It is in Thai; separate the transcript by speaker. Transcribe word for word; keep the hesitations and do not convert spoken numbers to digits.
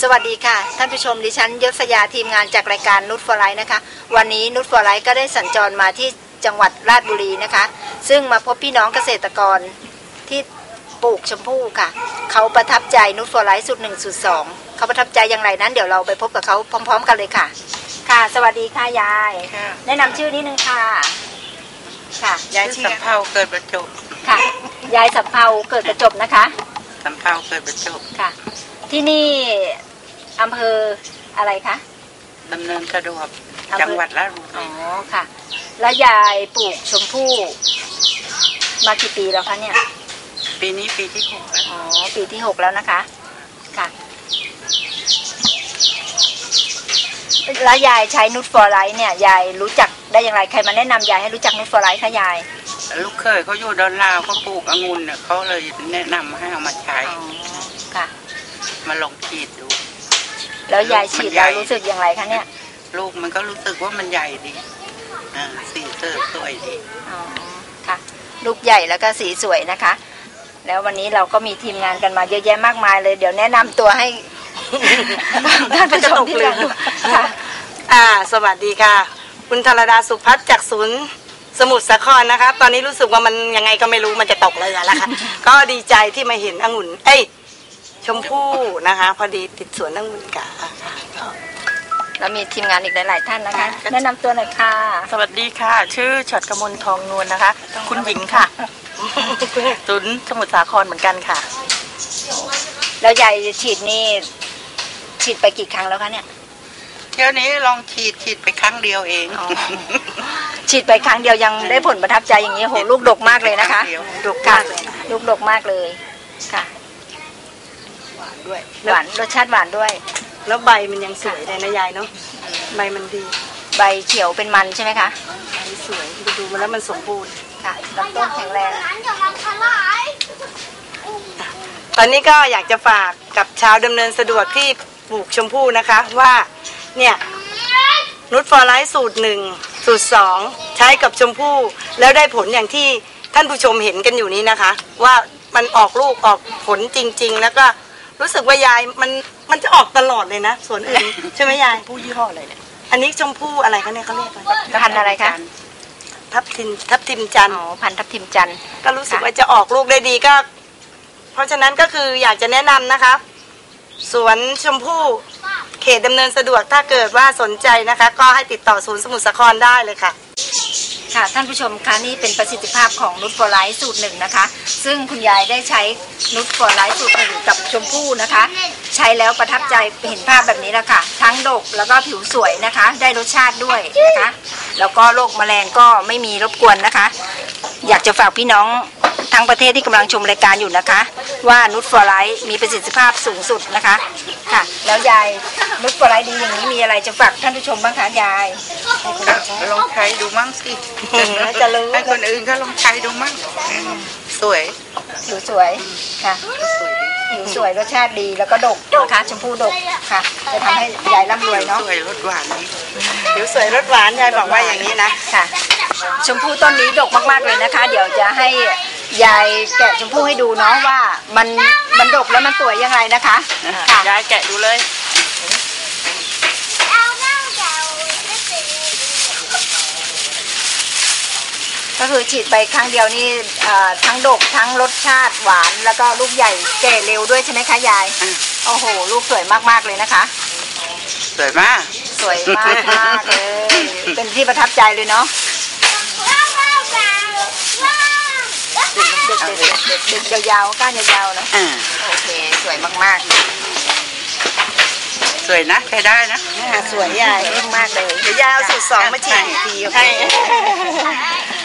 Speaker 1: สวัสดีค่ะท่านผู้ชมดิฉันยศยาทีมงานจากรายการนุชฟอร์ไลท์นะคะวันนี้นุชฟอร์ไลท์ก็ได้สัญจรมาที่จังหวัดราชบุรีนะคะซึ่งมาพบพี่น้องเกษตรกรที่ปลูกชมพู่ค่ะเขาประทับใจนุชฟอร์ไลท์สูตรหนึ่งสูตรสองเขาประทับใจอย่างไรนั้นเดี๋ยวเราไปพบกับเขาพร้อมๆกันเลยค่ะค่ะสวัสดีค่ะยายแนะนำชื่อนิดนึงค่ะค่ะ
Speaker 2: ยายสำเภาเกิดประจบ
Speaker 1: ค่ะยายสำเภาเกิดประจบนะคะ
Speaker 2: สำเภาเกิดประจบ
Speaker 1: ค่ะที่นี่อำเภออะไรคะ
Speaker 2: ดำเนินสะดวกจังหวัดราชบุรี
Speaker 1: อ๋อค่ะแล้วยายปลูกชมพู่มากี่ปีแล้วคะเนี่ย
Speaker 2: ปีนี้ปีที่หกแล้ว
Speaker 1: อ๋อปีที่หกแล้วนะคะค่ะแล้วยายใช้นุชฟอร์ไลท์เนี่ยยายรู้จักได้อย่างไรใครมาแนะนำยายให้รู้จักนุชฟอร์ไลท์คะยาย
Speaker 2: ลูกเคยเขาอยู่ดอนลาวเขาปลูกองุ่นเนี่ยเขาเลยแนะนำให้เอามาใช้
Speaker 1: ค่ะ
Speaker 2: มาลองฉีดดู
Speaker 1: แล้วยายฉีดแล้วรู้สึกอย่างไรคะเนี่ย
Speaker 2: ลูกมันก็รู้สึกว่ามันใหญ่ดีอ่าสีเตอร์สวยดี
Speaker 1: อ๋อค่ะลูกใหญ่แล้วก็สีสวยนะคะแล้ววันนี้เราก็มีทีมงานกันมาเยอะแยะมากมายเลยเดี๋ยวแนะนำตัวให้ท่านผู้ชมที่ดูค่ะ
Speaker 3: อ่าสวัสดีค่ะคุณธารดาสุพัฒน์จากศูนย์สมุทรสาครนะคะตอนนี้รู้สึกว่ามันยังไงก็ไม่รู้มันจะตกเรือแล้วค่ะก็ดีใจที่มาเห็นองุ่นเอ้ยชมพู่นะคะพอดีติดสวนองุ่นกะ
Speaker 1: แล้วมีทีมงานอีกหลายๆท่านนะคะแนะนำตัวหน่อยค่ะ
Speaker 4: สวัสดีค่ะชื่อฉัตรกมลทองนวลนะคะคุณหญิงค่ะศูนย์สมุทรสาครเหมือนกันค่ะ
Speaker 1: แล้วยายฉีดนี่ฉีดไปกี่ครั้งแล้วคะเนี่ย
Speaker 2: เที่ยวนี้ลองฉีดฉีดไปครั้งเดียวเอง
Speaker 1: ฉีดไปครั้งเดียวยังได้ผลประทับใจอย่างนี้โหลูกดกมากเลยนะคะดกมากเลยลูกดกมากเลยค่ะ
Speaker 3: หวานด้วย
Speaker 1: หวานรสชาติหวานด้วย
Speaker 3: แล้วใบมันยังสวยเลยนะยายเนาะใบมันดี
Speaker 1: ใบเขียวเป็นมันใช่ไหมคะ
Speaker 3: ใบสวยดูมาแล้วมันสมบูรณ์
Speaker 1: ค่ะลำต้นแข็งแรง
Speaker 3: ตอนนี้ก็อยากจะฝากกับชาวดำเนินสะดวกที่ปลูกชมพู่นะคะว่าเนี่ยนุชฟอร์ไลท์สูตรหนึ่งสูตรสองใช้กับชมพู่แล้วได้ผลอย่างที่ท่านผู้ชมเห็นกันอยู่นี้นะคะว่ามันออกลูกออกผลจริงๆแล้วก็รู้สึกว่ายายมันมันจะออกตลอดเลยนะส่วนอื่นใช่ไหมยาย
Speaker 4: ผู้ยี่ห้ออะไรเนี่ย
Speaker 3: อันนี้ชมพู่อะไรคะเนี่ยเขาเรียกอะไร
Speaker 1: พันธุ์อะไรคะ
Speaker 3: ทับทิมทับทิมจันทร์
Speaker 1: อ๋อพันธุ์ทับทิมจันทร์
Speaker 3: ก็รู้สึกว่าจะออกลูกได้ดีก็เพราะฉะนั้นก็คืออยากจะแนะนำนะคะสวนชมพู่เขตดำเนินสะดวกถ้าเกิดว่าสนใจนะคะก็ให้ติดต่อศูนย์สมุทรสาครได้เลยค่ะ
Speaker 1: ค่ะท่านผู้ชมคะนี่เป็นประสิทธิภาพของนุชฟอร์ไลท์สูตรหนึ่งนะคะซึ่งคุณยายได้ใช้นุชฟอร์ไลท์สูตรหนึ่งกับชมพู่นะคะใช้แล้วประทับใจเห็นภาพแบบนี้แล้วค่ะทั้งดกแล้วก็ผิวสวยนะคะได้รสชาติด้วยนะคะแล้วก็โรคแมลงก็ไม่มีรบกวนนะคะอยากจะฝากพี่น้องทั้งประเทศที่กำลังชมรายการอยู่นะคะว่านุชฟอร์ไลท์มีประสิทธิภาพสูงสุดนะคะค่ะแล้วยายนุชฟอร์ไลท์ดีอย่างนี้มีอะไรจะฝากท่านผู้ชมบ้างคะยาย
Speaker 2: ลองใช้ดูมั่งสิ
Speaker 1: จะรู้
Speaker 2: ให้คนอื่นก็ลองใช้ดูมั่งสวย
Speaker 1: ผิวสวยค่ะผิวสวยรสชาติดีแล้วก็ดกนะคะชมพู่ดกค่ะจะทำให้ยายร่ำรวยเนาะ
Speaker 2: สวยรสหวานนี่
Speaker 3: ผิวสวยรสหวานยายบอกว่าอย่างนี้นะ
Speaker 1: ค่ะชมพู่ต้นนี้ดกมากๆเลยนะคะเดี๋ยวจะให้ยายแกะชมพู่ให้ดูเนาะว่ามันมันดกแล้วมันสวยยังไงนะคะ
Speaker 4: ค่ะยายแกะดูเลย
Speaker 1: ก็คือฉีดไปครั้งเดียวนี่ทั้งดกทั้งรสชาติหวานแล้วก็ลูกใหญ่แก่เร็วด้วยใช่ไหมคะยายโอ้โหลูกสวยมากๆเลยนะคะ
Speaker 2: สวยมาก
Speaker 1: สวยมากมากเลยเป็นที่ประทับใจเลยเนาะเด็กเด็กเด็กเด็กเด็กยาวๆก้านยาวๆนะโอเคสวยมาก
Speaker 2: ๆสวยนะใช้ได้นะ
Speaker 1: สวยใหญ่มากเลย
Speaker 3: เดี๋ยวยาวสูตรสองมาฉีดอีกทีให้